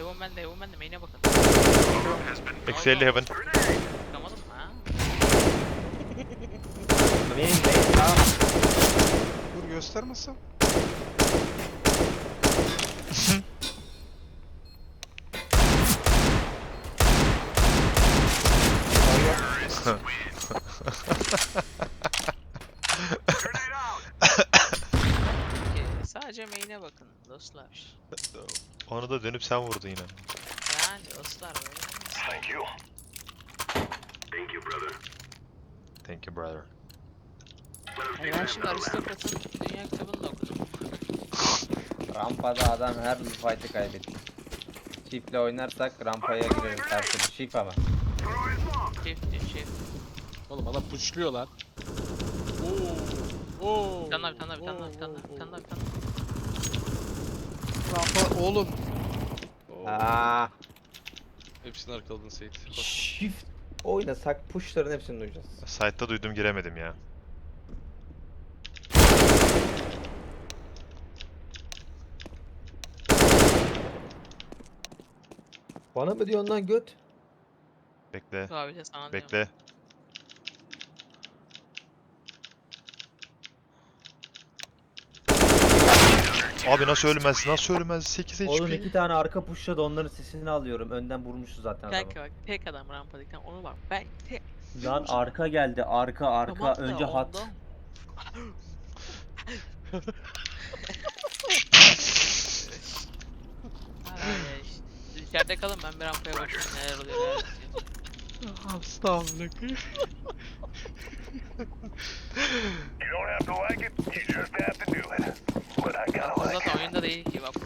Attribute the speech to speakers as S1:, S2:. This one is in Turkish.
S1: Heaven bende main'e bakın.
S2: Eksi 50 heaven.
S1: Çıkamadım mı ha?
S3: Main tamam.
S4: Dur göstermezsem.
S1: Sadece main'e bakın dostlar.
S2: Onu da dönüp sen vurdun yine.
S1: Yani dostlar böyle olmaz.
S5: Thank you. Thank you, brother.
S2: Thank you brother.
S1: Yani ben şimdi Aristokrat'ın dünya kitabını da okudum.
S3: Rampada adam her fight'ı kaybetti. Shift'le oynarsak rampaya gireriz her türlü. Shift ama.
S1: Shift.
S4: Oğlum adam pushluyor lan. Oo.
S1: Bir tane daha.
S4: Rampa oğlum.
S3: Aa,
S4: Hepsini arkaladın Seyit. Koş.
S3: shift oynasak push'ların hepsini duyacağız.
S2: Site'da duydum giremedim ya.
S3: Bana mı diyorsun lan göt?
S2: Bekle.
S1: Abi de sana diyorum.
S2: Bekle. Abi nasıl ölmez? Nasıl ölmez? 8
S3: Oğlum
S2: HP.
S3: 2 tane arka pushladı onların sesini alıyorum. Önden vurmuşuz zaten adamı.
S1: Kanka bak tek adam rampadayken onu bak. Ben tek...
S3: Lan arka geldi arka
S1: Tamam da
S3: önce hat.
S1: ondan- Ay, işte. İçeride kalın ben bir rampaya bakayım neler oluyor neler bitiyor.
S4: Estağfurullah.
S5: You don't have to like it, you just have to do it. But I gotta
S1: Bu
S5: like it.
S1: zaten oyunda değil ki bak.